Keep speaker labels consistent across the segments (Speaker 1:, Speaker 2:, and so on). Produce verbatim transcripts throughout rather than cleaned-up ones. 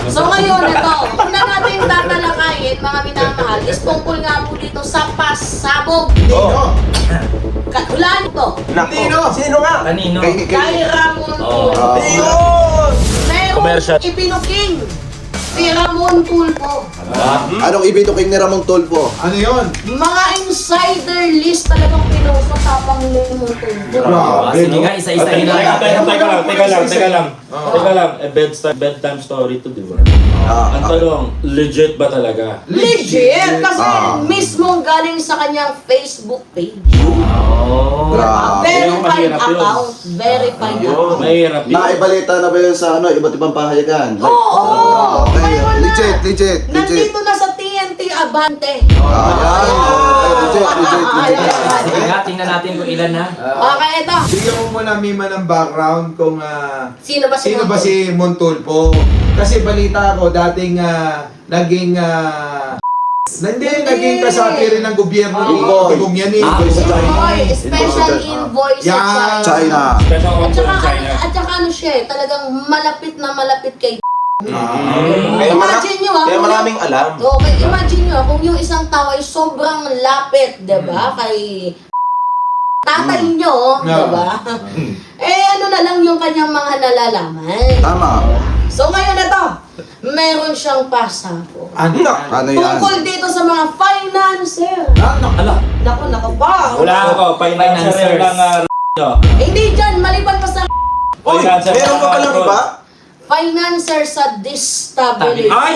Speaker 1: So ngayon, ito, una natin tatalakayin, mga minamahal, is tungkol nga po dito sa pasabog.
Speaker 2: Oh.
Speaker 1: Hulaan ito.
Speaker 2: Nako. Sino nga?
Speaker 3: Kanino?
Speaker 2: Kay, kay,
Speaker 1: Kay Ramon
Speaker 3: Oh.
Speaker 1: Tulfo.
Speaker 2: Ayun!
Speaker 1: Meron
Speaker 3: Commercial.
Speaker 1: ipinuking si Ramon Tulfo.
Speaker 2: Anong ibituking ni Ramon Tulfo?
Speaker 4: Ano yun?
Speaker 1: Mga insider list talagang pinuso tapang ni Ramon Tulfo.
Speaker 3: Ah, sige nga, isa-isahin na
Speaker 5: Teka, teka,
Speaker 3: natin.
Speaker 5: teka lang, teka lang, teka lang.
Speaker 4: Oo.
Speaker 5: Teka lang, eh, bedtime, bedtime story to, di ba?
Speaker 2: Ah,
Speaker 5: Ang tanong, legit ba talaga?
Speaker 1: Legit! Kasi
Speaker 2: Ah.
Speaker 1: mismo galing sa kanyang Facebook page.
Speaker 3: Oh.
Speaker 2: Grabe.
Speaker 1: Verified
Speaker 5: Yun ang mahirap yun.
Speaker 1: account. Verified
Speaker 5: Yun,
Speaker 1: account.
Speaker 5: mahirap yun.
Speaker 2: Naibalita na ba yun sa ano, iba't ibang pahayagan?
Speaker 1: Oo! oo.
Speaker 2: Okay,
Speaker 1: Mayroon na.
Speaker 2: legit, legit, legit.
Speaker 1: Nandito na sa T N T Abante.
Speaker 2: Ayan. Okay, legit, legit, legit.
Speaker 3: Sige nga, tingnan natin kung ilan na.
Speaker 1: Okay, ito.
Speaker 4: Bigyan mo muna Mima ng background kung ah,
Speaker 1: Sino ba si
Speaker 4: sino ba
Speaker 1: Montul?
Speaker 4: si Montulfo. Kasi balita ko dating ah, naging ah, hindi,
Speaker 1: Hindi.
Speaker 4: naging kasapi rin ng gobyerno
Speaker 1: Oo.
Speaker 4: ni Tigong yan eh.
Speaker 3: Ah,
Speaker 4: Sa China.
Speaker 1: Oy, special invoice
Speaker 4: Yan.
Speaker 1: sa China.
Speaker 2: China.
Speaker 5: Special
Speaker 1: At
Speaker 5: counsel
Speaker 1: saka,
Speaker 5: in China.
Speaker 1: at saka ano siya eh, talagang malapit na malapit kay
Speaker 2: Kaya
Speaker 1: Imagine nyo ah,
Speaker 2: Kaya
Speaker 1: kung
Speaker 2: maraming
Speaker 1: yung-
Speaker 2: alam.
Speaker 1: Okay, imagine nyo ah, kung yung isang tao ay sobrang lapit, diba? Kay tatay nyo,
Speaker 4: No.
Speaker 1: diba? Eh ano na lang yung kanyang mga nalalaman.
Speaker 2: Tama.
Speaker 1: So ngayon na to, meron siyang pasabog.
Speaker 4: Ano yan?
Speaker 2: Ano yan?
Speaker 1: Tungkol dito sa mga financer.
Speaker 4: Ano?
Speaker 3: Ala,
Speaker 1: Naku, naku pa.
Speaker 5: Wala ako, financer
Speaker 3: Financers.
Speaker 5: lang ng no.
Speaker 1: Hindi dyan, maliban pa sa
Speaker 2: Uy,
Speaker 5: Financer
Speaker 2: meron
Speaker 5: lang
Speaker 2: pa
Speaker 5: ng
Speaker 2: palang
Speaker 5: abroad.
Speaker 2: iba?
Speaker 1: financer sa destabilization.
Speaker 5: Ay!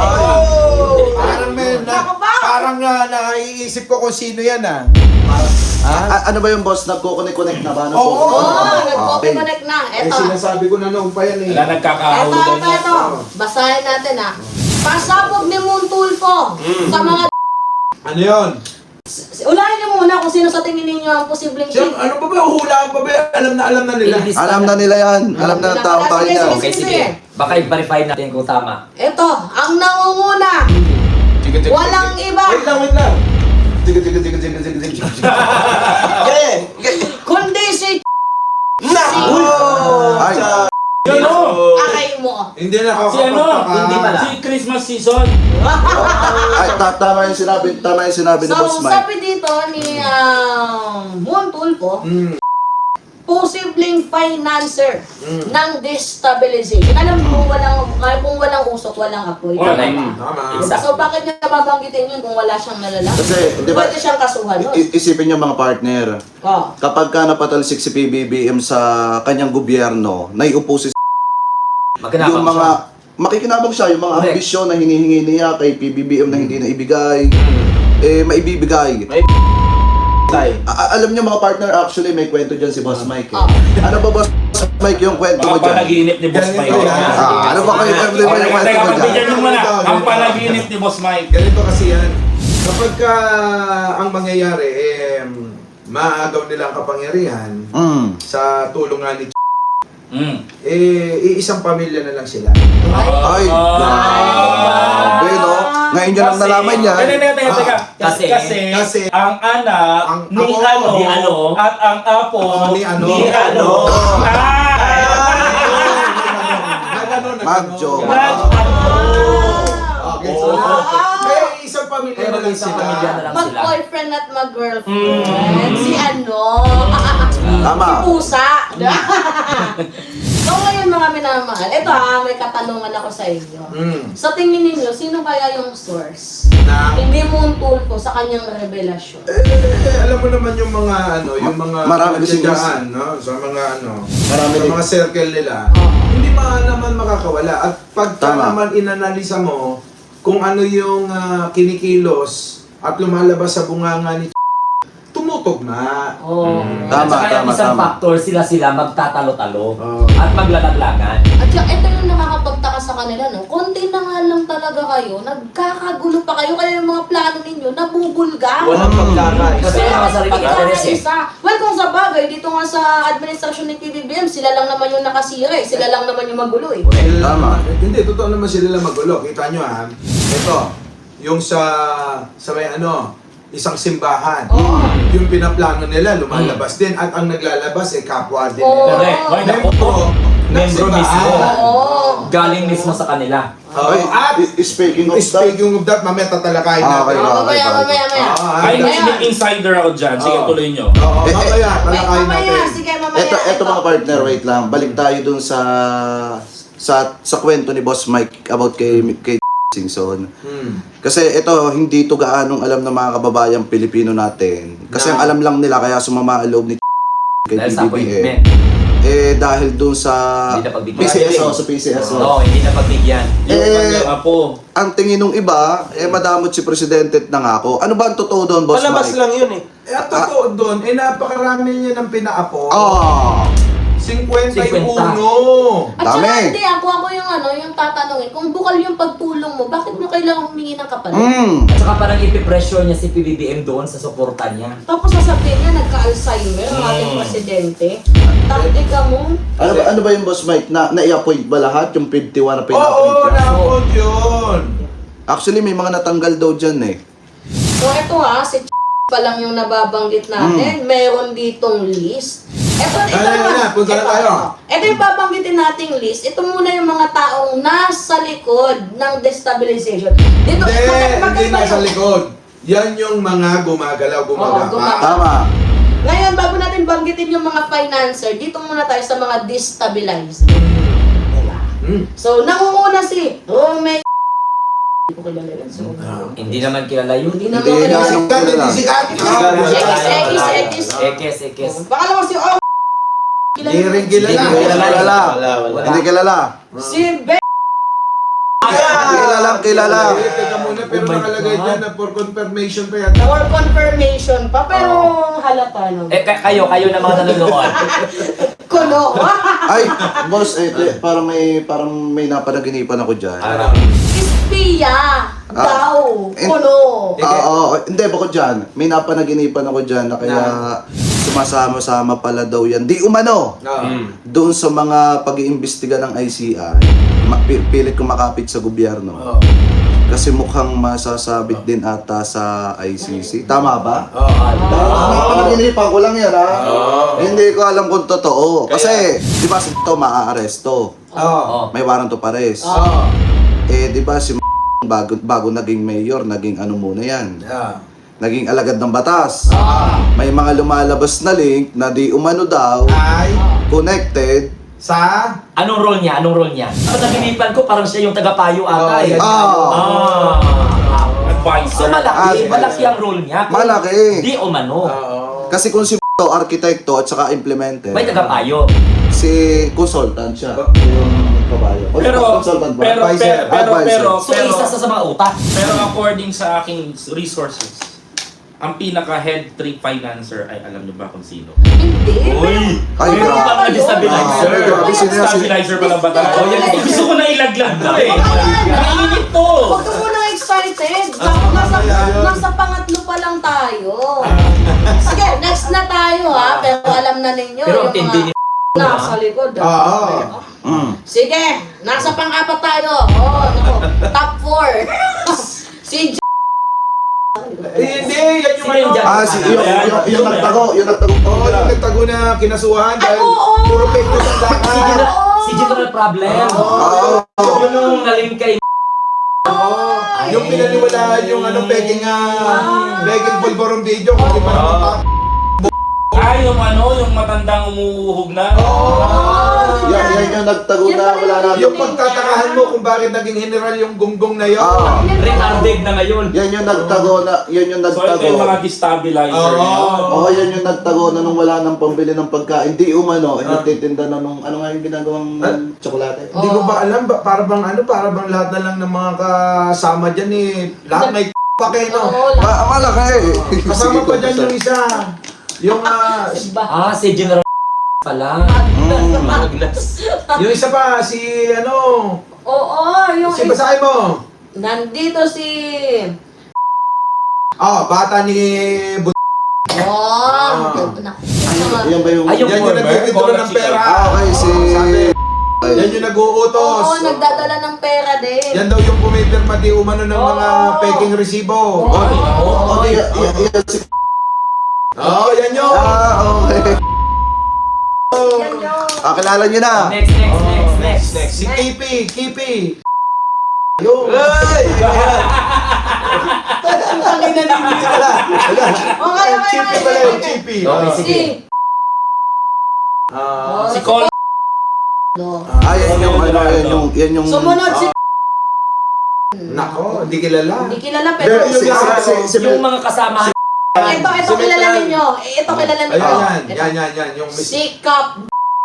Speaker 4: Oh! Parang may na,
Speaker 1: Ako ba?
Speaker 4: parang uh, naiisip ko kung sino yan ah.
Speaker 2: A- ano ba yung boss? Nagko-connect-connect na ba? Ano
Speaker 4: Oo.
Speaker 2: po?
Speaker 1: Oo,
Speaker 2: Ah,
Speaker 1: nag-connect na.
Speaker 4: Eh
Speaker 1: Eto.
Speaker 4: sinasabi ko na noong pa yan eh.
Speaker 5: Wala
Speaker 1: Eto,
Speaker 5: nagkakahulugan
Speaker 1: eto,
Speaker 5: niya.
Speaker 1: eto. Basahin natin ah. Pasabog ni Montulfo sa mga...
Speaker 4: Ano yun?
Speaker 1: Ulahin niyo muna kung sino sa tingin ninyo ang posibleng
Speaker 4: Siyem, ano pa ba? Hulaan pa ba? Alam na alam na nila.
Speaker 3: Ililista
Speaker 2: Alam na nila yan. Alam na ng tao tayo niya.
Speaker 3: Okay, sige. Baka i-verify natin kung tama.
Speaker 1: Ito, ang nangunguna. Walang iba.
Speaker 2: Wait lang, wait lang. Tiga, tiga, tiga, tiga, tiga, tiga, tiga. Yeah, yeah.
Speaker 1: Kundi si...
Speaker 2: Naku! Ay,
Speaker 5: Yun o!
Speaker 1: Akay mo.
Speaker 4: Hindi na ako
Speaker 5: Si ano?
Speaker 3: Hindi pala.
Speaker 5: Si Christmas season.
Speaker 2: ay, ta- tama yung sinabi, tama yung sinabi ni
Speaker 1: So,
Speaker 2: Boss Mike.
Speaker 1: sabi dito ni uh, Montulfo,
Speaker 4: Mm.
Speaker 1: posibleng financer
Speaker 4: Mm.
Speaker 1: ng destabilization. Alam mo, walang, kung walang usok, walang apoy.
Speaker 5: Wala.
Speaker 4: Tama.
Speaker 3: Exact.
Speaker 1: So, bakit niya babanggitin yun kung wala siyang nalala?
Speaker 2: Kasi, di ba-
Speaker 1: Pwede siyang kasuhan nun.
Speaker 2: I- isipin niyo mga partner,
Speaker 1: Oh.
Speaker 2: kapag ka napatalsik si P B B M sa kanyang gobyerno, naiupo si
Speaker 3: Magkanabang
Speaker 2: yung mga
Speaker 3: siya.
Speaker 2: makikinabang siya, yung mga
Speaker 3: Correct.
Speaker 2: ambisyon na hinihingi niya kay P B B M na hindi na ibigay, eh maibibigay. A- a- alam niyo mga partner, actually may kwento dyan si Boss Mike.
Speaker 1: Ah.
Speaker 2: Eh. Ano ba Boss Mike yung kwento mo
Speaker 5: Baka
Speaker 2: dyan?
Speaker 5: panaginip ni Boss
Speaker 4: Ganito
Speaker 5: Mike.
Speaker 4: yan.
Speaker 2: Ah, ano ba kayo every
Speaker 5: Okay,
Speaker 2: yung kwento
Speaker 5: teka,
Speaker 2: mo
Speaker 5: pagbigyan
Speaker 2: dyan?
Speaker 5: nyo muna. Ang panaginip ni Boss Mike.
Speaker 4: Ganito kasi yan. Kapag ka ang mangyayari, eh, maagaw nila ang kapangyarihan
Speaker 2: Mm.
Speaker 4: sa tulong nga ni
Speaker 5: Mm.
Speaker 4: eh, iisang pamilya na lang sila.
Speaker 2: Ay, grabe no? Ngayon nyo lang nalaman yan.
Speaker 5: Teka, teka, teka, teka.
Speaker 3: Kasi-
Speaker 5: kasi,
Speaker 4: kasi
Speaker 5: ang anak
Speaker 4: ang
Speaker 5: ni
Speaker 4: apo,
Speaker 5: ano,
Speaker 3: ni ano,
Speaker 5: at ang apo
Speaker 4: ni ano.
Speaker 5: ni ano.
Speaker 4: Na gano'n, na
Speaker 2: Magjo.
Speaker 4: gano'n.
Speaker 5: Mag-
Speaker 4: Okay, so, kaya isang pamilya na lang
Speaker 3: Isang
Speaker 4: sila.
Speaker 3: pamilya na lang sila.
Speaker 1: Mag-boyfriend at mag-girlfriend.
Speaker 5: Mm.
Speaker 1: Si ano?
Speaker 2: Tama.
Speaker 1: Si Pusa. So ngayon mga minamahal, ito ha, may katanungan ako sa inyo.
Speaker 4: Mm.
Speaker 1: Sa tingin ninyo, sino kaya yung source?
Speaker 4: Na,
Speaker 1: Hindi Montulfo sa kanyang revelasyon.
Speaker 4: eh, alam mo naman yung mga ano, yung mga
Speaker 2: Marami kasing
Speaker 4: dyan, no? Sa mga ano,
Speaker 2: Marami
Speaker 4: sa
Speaker 2: din.
Speaker 4: mga circle nila.
Speaker 1: Oo.
Speaker 4: Hindi ma naman makakawala. At pagka
Speaker 2: Tama.
Speaker 4: naman inanalisa mo kung ano yung ah, kinikilos at lumalabas sa bunganga ni tumutugma.
Speaker 1: Oh.
Speaker 2: Tama,
Speaker 3: At saka yung
Speaker 2: tama,
Speaker 3: isang
Speaker 2: tama.
Speaker 3: factor, sila-sila magtatalo-talo
Speaker 4: Oo.
Speaker 3: at maglalaglagan.
Speaker 1: At saka ito yung nakakapagtaka sa kanila, no? Konti na nga lang talaga kayo, nagkakagulo pa kayo, kaya yung mga plano ninyo, nabubulga.
Speaker 2: Walang pagkakaisa.
Speaker 3: Kasi yung mga sariling interes eh.
Speaker 1: Isa. Well, kung sa bagay, dito nga sa administrasyon ni P B B M, sila lang naman yung nakasira eh. Sila lang naman yung magulo eh.
Speaker 4: Sila-
Speaker 2: Tama.
Speaker 4: eh, Hindi, totoo naman sila lang magulo. Kita nyo ha. Ito, yung sa, sa may ano, isang simbahan.
Speaker 1: Oo.
Speaker 4: Yung pinaplano nila, lumalabas din. At ang naglalabas, eh, kapwa din
Speaker 1: Oo.
Speaker 4: nila.
Speaker 5: Correct. Why not?
Speaker 4: Membro,
Speaker 3: membro
Speaker 4: Nagsimbahan.
Speaker 3: mismo.
Speaker 1: Oo.
Speaker 3: Galing mismo sa kanila.
Speaker 4: Oo.
Speaker 2: Ay,
Speaker 4: At
Speaker 2: i- speaking of that,
Speaker 4: speaking of that, mamaya tatalakayin
Speaker 2: Ah, okay.
Speaker 4: natin.
Speaker 1: Oh, mamaya, mamaya, mamaya.
Speaker 4: Ah,
Speaker 5: Ay,
Speaker 4: ah,
Speaker 5: may may insider ako dyan. Sige,
Speaker 4: Oo.
Speaker 5: tuloy nyo.
Speaker 4: Oo,
Speaker 2: Eh, eh,
Speaker 4: mamaya,
Speaker 1: Wait,
Speaker 4: talakayin
Speaker 1: mamaya.
Speaker 4: natin.
Speaker 1: Sige, mamaya.
Speaker 2: eto, eto mga partner, wait lang. Balik tayo dun sa sa sa kwento ni Boss Mike about kay kay Singson.
Speaker 4: Hmm.
Speaker 2: Kasi ito, hindi to gaanong alam ng mga kababayang Pilipino natin. Kasi
Speaker 4: Na-
Speaker 2: ang alam lang nila, kaya sumama ang loob ni kay
Speaker 3: Dahil sa
Speaker 2: P B B M.
Speaker 3: appointment.
Speaker 2: Eh, dahil dun sa
Speaker 3: Hindi na
Speaker 2: P
Speaker 3: pagbigyan.
Speaker 2: C S O, sa P C S O.
Speaker 3: Oo, hindi na pagbigyan.
Speaker 5: Yung
Speaker 2: Eh,
Speaker 5: kanyang apo.
Speaker 2: Ang tingin ng iba, eh madamot si Presidente at nangako. Ano ba ang totoo doon, Boss
Speaker 6: Palabas
Speaker 2: Mike?
Speaker 6: lang yun eh.
Speaker 4: Eh, ang totoo doon, eh, napakarami niya ng pinaapo.
Speaker 2: Ah,
Speaker 4: fifty-one.
Speaker 1: At saka
Speaker 2: dami.
Speaker 1: hindi, ako ako yung ano, yung tatanungin, kung bukal yung pagtulong mo, bakit mo kailangan humingi ng kapalit?
Speaker 2: Mm.
Speaker 3: At saka parang ipipressure niya si P B B M doon sa suporta niya.
Speaker 1: Tapos sasabihin niya, nagka-Alzheimer ang ating
Speaker 3: Mm.
Speaker 1: presidente. Taktika mo.
Speaker 2: Ano ba, ano ba yung Boss Mike? Na, na-appoint ba lahat? Yung fifty-one na
Speaker 4: Oo,
Speaker 2: pina-appoint niya?
Speaker 4: na-appoint yun.
Speaker 2: Actually, may mga natanggal daw dyan eh.
Speaker 1: So ito ha, si pa lang yung nababanggit natin. Meron ditong list. Ito, ito
Speaker 4: Ano, ano,
Speaker 1: naman.
Speaker 4: ano, punta na
Speaker 1: ito,
Speaker 4: tayo.
Speaker 1: ito yung babanggitin nating list. Ito muna yung mga taong nasa likod ng destabilization. Dito,
Speaker 4: Hindi,
Speaker 1: magka-
Speaker 4: hindi
Speaker 1: magkaiba
Speaker 4: nasa
Speaker 1: yung-
Speaker 4: likod. Yan yung mga gumagalaw,
Speaker 1: Oo,
Speaker 4: gumagapa.
Speaker 1: gumagalaw.
Speaker 2: Tama.
Speaker 1: Ngayon, bago natin banggitin yung mga financer, dito muna tayo sa mga destabilizer. Diba?
Speaker 4: Hmm.
Speaker 1: So, nangunguna si Rome. Hindi ko kilala yun. So,
Speaker 3: Hindi naman kilala yun.
Speaker 1: hindi naman
Speaker 2: Hindi
Speaker 1: kilala.
Speaker 2: na-
Speaker 4: Sikat, hindi sikat.
Speaker 1: Ekis, ekis, ekis.
Speaker 3: Ekes, ekes.
Speaker 1: Baka lang si O. Kilala
Speaker 4: Hindi
Speaker 1: mo.
Speaker 4: rin kilala.
Speaker 3: Hindi
Speaker 2: Hindi
Speaker 3: kilala.
Speaker 2: kilala.
Speaker 3: Wala.
Speaker 2: Hindi kilala.
Speaker 1: Si Be.
Speaker 2: Kilala, kilala.
Speaker 4: Eh, teka muna, pero
Speaker 3: Oh my
Speaker 4: nakalagay
Speaker 3: God.
Speaker 4: dyan na for confirmation pa yan.
Speaker 1: For confirmation pa, pero halata no.
Speaker 3: Eh, ka- kayo, kayo na mga nanonood.
Speaker 1: Kuno.
Speaker 2: Ay, boss, eh, eh, parang may parang may napanaginipan ako dyan.
Speaker 3: Ano?
Speaker 1: Espiya.
Speaker 2: Ah.
Speaker 1: Daw.
Speaker 2: Eh,
Speaker 1: Kuno.
Speaker 2: Ah, oo. hindi, bako dyan. May napanaginipan ako dyan na kaya sumasama-sama pala daw yan. Di umano.
Speaker 4: Ah.
Speaker 2: Doon sa mga pag-iimbestiga ng I C I, ma- pi- pilit kumakapit sa gobyerno.
Speaker 4: Oo.
Speaker 2: Kasi mukhang masasabit din ata sa I C C. Tama ba?
Speaker 4: Oo.
Speaker 2: Napanaginipan ko lang yan, ha?
Speaker 4: Oo.
Speaker 2: Hindi ko alam kung totoo. Kasi, di ba si ito maaaresto?
Speaker 4: Oo.
Speaker 3: Oh.
Speaker 2: May warrant of arrest.
Speaker 4: Oo.
Speaker 2: Eh, di ba si bago, bago naging mayor, naging ano muna yan?
Speaker 4: Yeah.
Speaker 2: Naging alagad ng batas.
Speaker 4: Ah.
Speaker 2: May mga lumalabas na link na di umano daw,
Speaker 4: Ay,
Speaker 2: connected.
Speaker 4: sa?
Speaker 3: Anong role niya? Anong role niya? Sa naginipan ko, parang siya yung tagapayo ata
Speaker 4: Oh,
Speaker 3: eh.
Speaker 4: yan.
Speaker 2: Ah,
Speaker 3: Ah. So
Speaker 5: Advisor.
Speaker 3: malaki,
Speaker 2: Ah,
Speaker 3: malaki ang role niya. Kung
Speaker 2: Malaki.
Speaker 3: Di umano.
Speaker 4: Oo.
Speaker 2: kasi kung si to arkitekto at saka implementer,
Speaker 3: May tagapayo.
Speaker 2: si consultant siya. Yung kabayo. O,
Speaker 5: Pero,
Speaker 2: consultant ba?
Speaker 5: pero,
Speaker 4: Advisor.
Speaker 5: pero, pero,
Speaker 2: Advisor.
Speaker 5: pero,
Speaker 3: So
Speaker 5: pero,
Speaker 3: isa sa sa mga utak.
Speaker 5: pero according sa aking resources, ang pinaka-head trip financer ay alam niyo ba kung sino?
Speaker 1: Hindi.
Speaker 5: Uy!
Speaker 2: Ay,
Speaker 1: Pero
Speaker 2: grabe.
Speaker 1: ano ba yun?
Speaker 3: Destabilizer.
Speaker 2: Ah, grabe, sino yan?
Speaker 5: Stabilizer pa lang ba tayo?
Speaker 1: Oh, yan.
Speaker 5: Gusto ko na ilaglag to eh.
Speaker 1: Ayan.
Speaker 5: Naiinit to.
Speaker 1: Huwag ka muna excited. Nasa, nasa, nasa pangatlo pa lang tayo. Sige, next na tayo ha. Pero alam na ninyo
Speaker 3: Pero ang
Speaker 1: yung
Speaker 3: tindi ni
Speaker 1: mga nasa likod. ha?
Speaker 4: Oo.
Speaker 2: Mm.
Speaker 1: Sige, nasa pang-apat tayo. Oh, naku. Top four. Si J-
Speaker 4: Eh, hindi, yan yung
Speaker 3: Sino yung
Speaker 4: ano.
Speaker 3: dyan?
Speaker 2: Ah, si yung, yung, yung nagtago, yung nagtago.
Speaker 4: Oo, yung nagtago na kinasuhan dahil
Speaker 1: oo.
Speaker 4: puro fake news ang
Speaker 3: Si
Speaker 4: lakas.
Speaker 3: General, si General Problem.
Speaker 2: Oo.
Speaker 3: Yun yung naling kay
Speaker 4: Oo. Yung pinaniwalaan yung ano, peking ah, peking pulborong video kung di pa naman.
Speaker 5: Ah, yung ano, yung matandang umuuhog na.
Speaker 2: Yan, yan yung nagtago na wala na.
Speaker 4: Yung pagtatakahan mo kung bakit naging general yung gunggong na yun.
Speaker 2: Ah,
Speaker 3: retarded na ngayon.
Speaker 2: yan yung nagtago na, yan yung
Speaker 5: So ito yung
Speaker 2: nagtago.
Speaker 5: mga destabilizer
Speaker 4: Oo.
Speaker 5: niya.
Speaker 2: Oo, yan yung nagtago na nung wala nang pambili ng pagkain. Di umano, eh, nagtitinda na nung, ano nga yung ginagawang
Speaker 4: Ah.
Speaker 2: tsokolate?
Speaker 4: Hindi ko ba alam, ba, para bang ano, para bang lahat na lang ng mga kasama dyan eh, lahat may pake, no?
Speaker 1: Oo,
Speaker 2: Ma malaki.
Speaker 4: Kasama pa dyan yung isa. Yung, ah,
Speaker 1: Iba.
Speaker 3: Ah, si General pala.
Speaker 2: Mm.
Speaker 3: Maglas.
Speaker 4: yung isa pa, si ano,
Speaker 1: Oo, yung
Speaker 4: si basahin mo.
Speaker 1: nandito si...
Speaker 4: Oh, bata ni But.
Speaker 1: Oh, naku.
Speaker 2: Yan ba yung...
Speaker 3: Ay, yung
Speaker 4: Yan yung
Speaker 3: former,
Speaker 4: nag-withdraw ng pera.
Speaker 2: Ah, okay, si...
Speaker 4: Sabi,
Speaker 2: Ay.
Speaker 4: yan yung nag-uutos.
Speaker 1: Oo, nagdadala ng pera din.
Speaker 4: Yan daw yung pumipirma di umano ng mga
Speaker 1: Oo.
Speaker 4: peking resibo.
Speaker 1: Oo.
Speaker 2: Oh, di, y- y- yan si...
Speaker 4: Oo, yan yun.
Speaker 2: Ah, okay.
Speaker 1: Yan yun.
Speaker 2: Ah, kilala nyo na.
Speaker 3: Next, next, next, next.
Speaker 4: Next, si Kipi, Kipi. Yun.
Speaker 1: Okay, okay,
Speaker 4: Chippy
Speaker 1: okay,
Speaker 4: pala
Speaker 1: okay,
Speaker 4: yung
Speaker 1: okay.
Speaker 4: Chippy.
Speaker 3: Okay, sige.
Speaker 1: Si...
Speaker 4: Ah,
Speaker 1: Oh,
Speaker 5: Si Col...
Speaker 1: No.
Speaker 2: Ah, yan yung, ano, yan yung, yan yung...
Speaker 1: Sumunod si...
Speaker 4: nako, hindi kilala.
Speaker 1: Hindi kilala
Speaker 2: Pero,
Speaker 1: pero...
Speaker 2: si, si, si, si,
Speaker 3: Yung mga kasama.
Speaker 1: Ito, ito kilala ninyo. Eh, Ito kilala ninyo.
Speaker 4: Ayan, yan,
Speaker 1: Ito.
Speaker 4: yan, yan, yan. Yung
Speaker 1: Si Kap...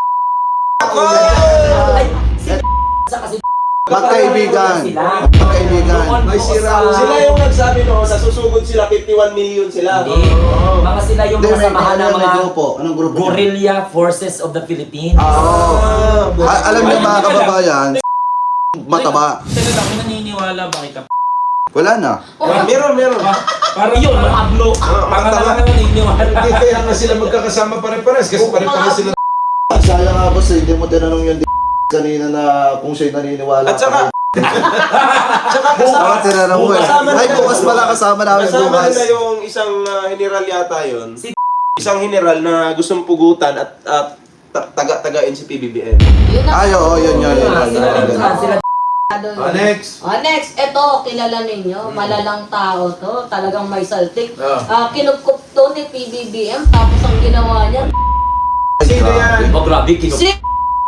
Speaker 3: Ay, si sa kasi
Speaker 2: magkaibigan.
Speaker 3: sila.
Speaker 2: Magkaibigan.
Speaker 3: Doon
Speaker 4: May
Speaker 3: po
Speaker 4: sira.
Speaker 3: sa-
Speaker 6: Sila yung nagsabi no, sa susugod sila, fifty-one million sila.
Speaker 3: Hindi. Mga sila yung
Speaker 2: Hindi,
Speaker 3: mga
Speaker 2: may,
Speaker 3: samahan
Speaker 2: may,
Speaker 3: ng
Speaker 2: may
Speaker 3: mga
Speaker 2: grupo. Anong grupo? niya?
Speaker 3: Guerrilla Forces of the Philippines.
Speaker 2: Ah, oo. Ah, alam niyo mga kababayan, mataba.
Speaker 5: Teka lang, may naniniwala ba kay Kap...
Speaker 2: Wala na.
Speaker 6: Ah, meron, meron.
Speaker 5: Parang
Speaker 3: Yun, mga ablo.
Speaker 5: Pangalan na naniniwala.
Speaker 4: Hindi kaya nga sila magkakasama pare-pares kasi pare-pares sila.
Speaker 2: Sayang nga boss, eh, hindi mo tinanong yung d- kanina na kung siya'y naniniwala.
Speaker 6: At saka, saka
Speaker 2: Baka
Speaker 6: kasama,
Speaker 2: tinanong mo eh.
Speaker 6: kasama
Speaker 2: Ay,
Speaker 6: nila-
Speaker 2: bukas pala kasama namin
Speaker 6: kasama
Speaker 2: bukas.
Speaker 6: nila yung isang ah, general yata yun.
Speaker 3: Si-
Speaker 6: Isang general na gustong pugutan at at ta- taga-tagain si P B B M.
Speaker 1: Yun na.
Speaker 2: Ay, oo, yun, yun, yun.
Speaker 3: Ah, Sila
Speaker 2: yun, yun.
Speaker 3: sila sila.
Speaker 4: Ah, next.
Speaker 1: Oh, next, ito, kilala ninyo, malalang tao to, talagang may saltik.
Speaker 4: Ah.
Speaker 1: Ah, kinupkup to ni P B B M, tapos ang ginawa niya,
Speaker 4: Sino yan?
Speaker 3: Oh, grabe, kinup.
Speaker 1: si...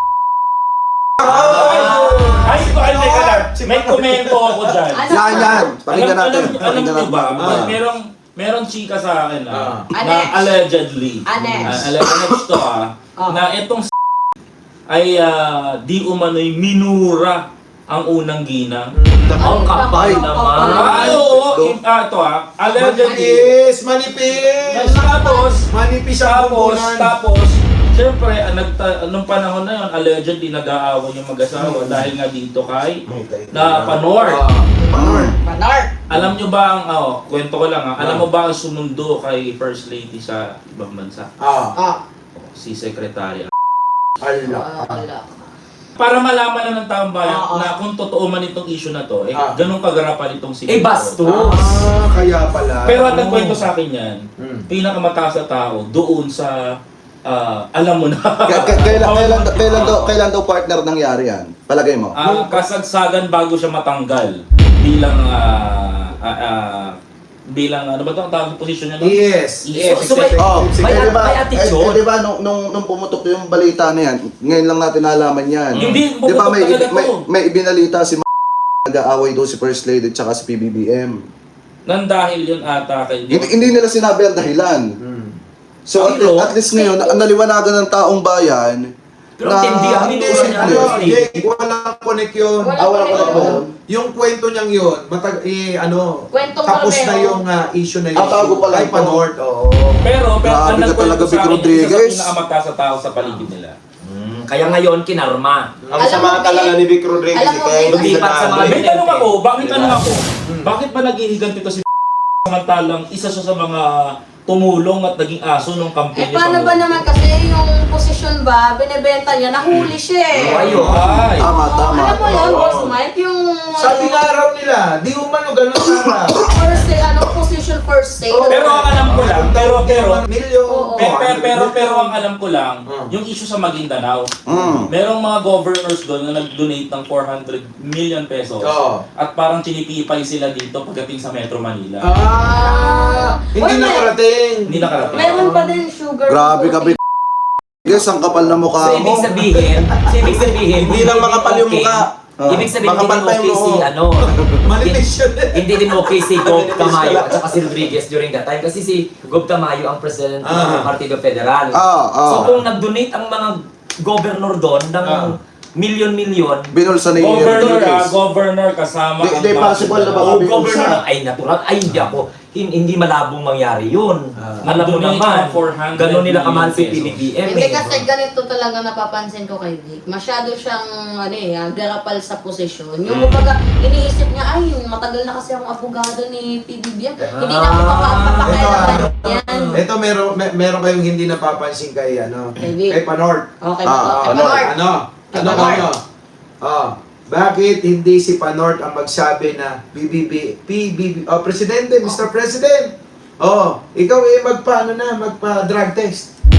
Speaker 5: Ay, ay, teka lang. May komento ako dyan.
Speaker 1: Ano?
Speaker 2: Yan, yan. Pakinggan
Speaker 5: Alam,
Speaker 2: natin.
Speaker 5: alam, alam
Speaker 2: Pakinggan
Speaker 5: niyo
Speaker 2: natin.
Speaker 5: ba,
Speaker 4: Ah.
Speaker 5: merong, merong chika sa akin ah,
Speaker 4: Ah.
Speaker 5: na
Speaker 1: Anex.
Speaker 5: allegedly,
Speaker 1: Anex.
Speaker 5: ah, allegedly to ah,
Speaker 1: Ah.
Speaker 5: na itong s- ay ah, di umano'y minura ang unang ginang.
Speaker 3: Ang kapal naman.
Speaker 5: Ay, oo, in- ah, ito ah, allegedly,
Speaker 4: Manipis! Manipis!
Speaker 5: tapos,
Speaker 4: Manipis ang
Speaker 5: tapos,
Speaker 4: bumbunan.
Speaker 5: tapos, siyempre, ah, nagta- nung panahon na yun, allegedly nag-aaway yung mag-asawa dahil nga dito kay na Panor.
Speaker 4: Panor.
Speaker 1: Manor.
Speaker 5: Alam nyo ba ang, oh, kwento ko lang ah, alam mo ba ang sumundo kay First Lady sa ibang bansa?
Speaker 4: Ah,
Speaker 1: Ah,
Speaker 5: Si Secretary.
Speaker 4: ala.
Speaker 1: wala.
Speaker 5: Para malaman na ng taong bayan
Speaker 1: Oo.
Speaker 5: na kung totoo man itong issue na to, eh,
Speaker 4: Ah.
Speaker 5: ganun kagarapan itong si
Speaker 3: Eh, bastos.
Speaker 4: Ah, kaya pala.
Speaker 5: Pero at nagkwento sa akin yan,
Speaker 4: Hmm.
Speaker 5: pinakamataas na tao doon sa, ah, alam mo na.
Speaker 2: K- k- Kailan, kailan, kailan, daw, kailan daw partner nangyari yan? Palagay mo?
Speaker 5: Ang kasagsagan bago siya matanggal bilang, ah, ah, ah, bilang, ano ba ito ang tawag sa posisyon niya? no?
Speaker 4: Yes.
Speaker 5: Yes,
Speaker 3: So, so may-
Speaker 2: Oh,
Speaker 3: May-
Speaker 2: eh, di ba,
Speaker 3: may attitude.
Speaker 2: eh, eh, di ba nung, nung, nung pumutok yung balita na yan, ngayon lang natin nalaman yan.
Speaker 5: Hindi,
Speaker 2: Di ba may,
Speaker 5: pumutok talaga
Speaker 2: may,
Speaker 5: to.
Speaker 2: may ibinalita si M- nag-aaway daw si First Lady tsaka si P B B M.
Speaker 5: Nang dahil yun ata kay
Speaker 2: Hindi, hindi nila sinabi ang dahilan.
Speaker 4: Hmm.
Speaker 2: So at,
Speaker 3: Pero-
Speaker 2: at least ngayon, na- naliwanagan ng taong bayan
Speaker 3: Pero hindi ang
Speaker 4: Hindi,
Speaker 3: minura niya.
Speaker 4: ano,
Speaker 3: First Lady.
Speaker 4: Jake, walang connect yun.
Speaker 1: Wala
Speaker 2: Ah, wala
Speaker 1: pa rin
Speaker 2: pala
Speaker 1: ako.
Speaker 2: ba yun?
Speaker 4: Yung kwento niyang yun, matag, eh, ano,
Speaker 1: Kwentong
Speaker 4: tapos
Speaker 1: Romeo.
Speaker 4: na yung ah, issue na yun.
Speaker 2: Ah, bago pa lang
Speaker 4: Kay
Speaker 2: to.
Speaker 4: Panort, oo.
Speaker 5: Pero, pero
Speaker 2: Grabe
Speaker 5: ang
Speaker 2: ka
Speaker 5: nagkwento
Speaker 2: talaga,
Speaker 5: sa
Speaker 2: Vic
Speaker 5: akin, isa
Speaker 2: Rodriguez.
Speaker 5: sa pinakamataas na tao sa paligid nila.
Speaker 3: Mm, Kaya ngayon, kinarma.
Speaker 6: Ang
Speaker 1: Alam
Speaker 6: sama
Speaker 1: mo,
Speaker 6: talaga
Speaker 1: Vic,
Speaker 6: ni Vic Rodriguez,
Speaker 1: alam
Speaker 6: eh,
Speaker 1: mo,
Speaker 6: kaya
Speaker 1: Vic,
Speaker 6: hindi
Speaker 3: lumipat sa
Speaker 6: siya
Speaker 3: mga
Speaker 6: namin.
Speaker 5: May tanong ako, bakit
Speaker 3: Diba?
Speaker 5: tanong ako? Bakit ba naghihiganti to si samantalang isa siya sa mga tumulong at naging aso nung
Speaker 1: Eh,
Speaker 5: campaign
Speaker 1: paano ba naman kasi yung posisyon ba, binibenta niya, nahuli siya eh.
Speaker 3: Oh, ayun.
Speaker 5: Ay.
Speaker 2: Tama, tama.
Speaker 1: Alam mo yun, Boss Mike, yung...
Speaker 4: Sabi nga raw nila, di umano ganun sana.
Speaker 1: First day, ano, position first day.
Speaker 4: Oo.
Speaker 5: Pero ang alam ko lang, pero pero
Speaker 4: Milyon.
Speaker 1: Oo.
Speaker 5: pero, pero, pero, pero ang alam ko lang,
Speaker 4: Hmm.
Speaker 5: yung issue sa Maguindanao,
Speaker 2: Mm.
Speaker 5: merong mga governors doon na nag-donate ng four hundred million pesos.
Speaker 4: Oo.
Speaker 5: At parang chinipipay sila dito pagdating sa Metro Manila.
Speaker 4: Ah, hindi
Speaker 1: Uy, may-
Speaker 4: nakarating.
Speaker 5: Hindi nakarating.
Speaker 1: Meron pa din sugar.
Speaker 2: Grabe ka, Vic. Guys, ang kapal na mukha
Speaker 3: So,
Speaker 2: mo.
Speaker 3: ibig sabihin, so, ibig sabihin,
Speaker 6: Hindi lang makapal yung
Speaker 3: okay.
Speaker 6: mukha.
Speaker 2: Ah.
Speaker 3: Ibig sabihin, hindi
Speaker 6: Makapal
Speaker 3: din
Speaker 6: pa yung
Speaker 3: okay si,
Speaker 6: noo.
Speaker 3: ano,
Speaker 4: Manifest yun.
Speaker 3: hindi din okay si Gob
Speaker 6: Manifest
Speaker 3: Tamayo
Speaker 6: pala.
Speaker 3: at saka si Rodriguez during that time. Kasi si Gob Tamayo ang president ng
Speaker 4: Ah.
Speaker 3: Partido Federal.
Speaker 2: Ah, ah.
Speaker 3: So kung nag-donate ang mga governor doon ng
Speaker 5: Ah.
Speaker 3: milyon-milyon,
Speaker 2: Binulsa ni
Speaker 5: Governor, ah,
Speaker 2: Rodriguez.
Speaker 5: governor kasama
Speaker 2: Di- di possible na ba?
Speaker 3: o
Speaker 2: Sabi ko
Speaker 3: governor
Speaker 2: siya.
Speaker 3: ng, ay natural, ay hindi ako, hin- hindi malabong mangyari yun.
Speaker 4: Ah.
Speaker 3: Alam mo
Speaker 5: Nag-donate
Speaker 3: naman,
Speaker 5: ng four hundred
Speaker 3: ganun nila kamahal si
Speaker 5: million
Speaker 3: P B B M.
Speaker 1: Hindi
Speaker 3: eh.
Speaker 1: kasi ganito talaga napapansin ko kay Vic. Masyado siyang ano eh, ah, garapal sa posisyon. Yung kumbaga, iniisip niya, ay, matagal na kasi akong abogado ni P B B M. Hindi na ako mapapakailangan yan.
Speaker 4: Ito meron may, meron kayong hindi napapansin kay ano,
Speaker 1: Kay Vic.
Speaker 4: kay Panort.
Speaker 1: Okay,
Speaker 2: Ah,
Speaker 1: ba?
Speaker 4: Ano?
Speaker 1: Panort.
Speaker 4: Ano? Ano
Speaker 1: Panort.
Speaker 4: ano? Oh, bakit hindi si Panort ang magsabi na P B B P B B oh, Presidente, Mister President. Oh, ikaw eh magpa ano na, magpa drug test.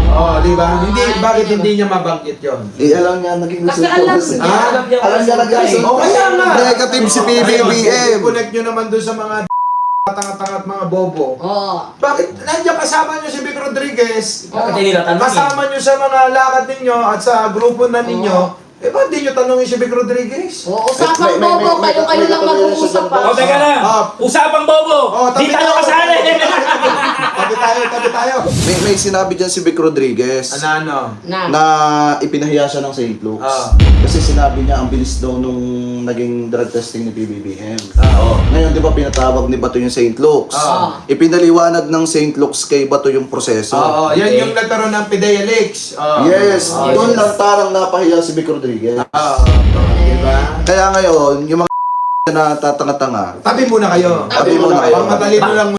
Speaker 4: Oh, di ba? Hindi, bakit hindi niya mabanggit yon?
Speaker 2: Eh, alam niya, naging
Speaker 1: Kasi
Speaker 2: resulta.
Speaker 1: alam
Speaker 2: kasi-
Speaker 1: niya.
Speaker 4: Ah,
Speaker 2: Alam niya, naging resulta.
Speaker 4: Oh, kaya nga.
Speaker 2: Negative si P B B M.
Speaker 4: Connect nyo naman doon sa mga tanga-tanga at mga bobo.
Speaker 1: Oo.
Speaker 4: Bakit nandiyan kasama nyo si Vic Rodriguez?
Speaker 3: Bakit hindi nila tanongin?
Speaker 4: Kasama nyo sa mga lakad ninyo at sa grupo na ninyo. Eh, ba't di nyo tanongin si Vic Rodriguez?
Speaker 1: Oo, usapang
Speaker 2: May- may- may-
Speaker 1: bobo,
Speaker 2: may-
Speaker 1: kayo-kayo
Speaker 2: may-
Speaker 1: lang
Speaker 2: may-
Speaker 1: mag-uusap
Speaker 2: may-
Speaker 1: pa.
Speaker 5: O, teka lang.
Speaker 4: Ah.
Speaker 5: Usapang bobo.
Speaker 4: Oh, tabi
Speaker 5: Di tayo
Speaker 4: tayo.
Speaker 5: kasali.
Speaker 4: Tabi tayo, tabi tayo.
Speaker 2: May, may sinabi dyan si Vic Rodriguez
Speaker 4: Ano, ano?
Speaker 1: Na.
Speaker 2: na ipinahiya siya ng Saint Luke's.
Speaker 4: Ah.
Speaker 2: Kasi sinabi niya ang bilis daw nung naging drug testing ni P B B M.
Speaker 4: Ah.
Speaker 2: Ngayon, di ba pinatawag ni Bato yung Saint Luke's?
Speaker 4: Ah.
Speaker 2: Ipinaliwanag ng Saint Luke's kay Bato yung proseso.
Speaker 4: Oo, yan yung nagkaroon ng Pidea-Leaks. Oh.
Speaker 2: Yes,
Speaker 4: Oh,
Speaker 2: doon
Speaker 4: yes.
Speaker 2: lang tarang napahiya si Vic Rodriguez.
Speaker 4: Oo, diba?
Speaker 2: Kaya ngayon, yung mga na tatanga-tanga,
Speaker 4: Tabi muna kayo.
Speaker 2: Tabi muna kayo.
Speaker 4: Pang madali mo lang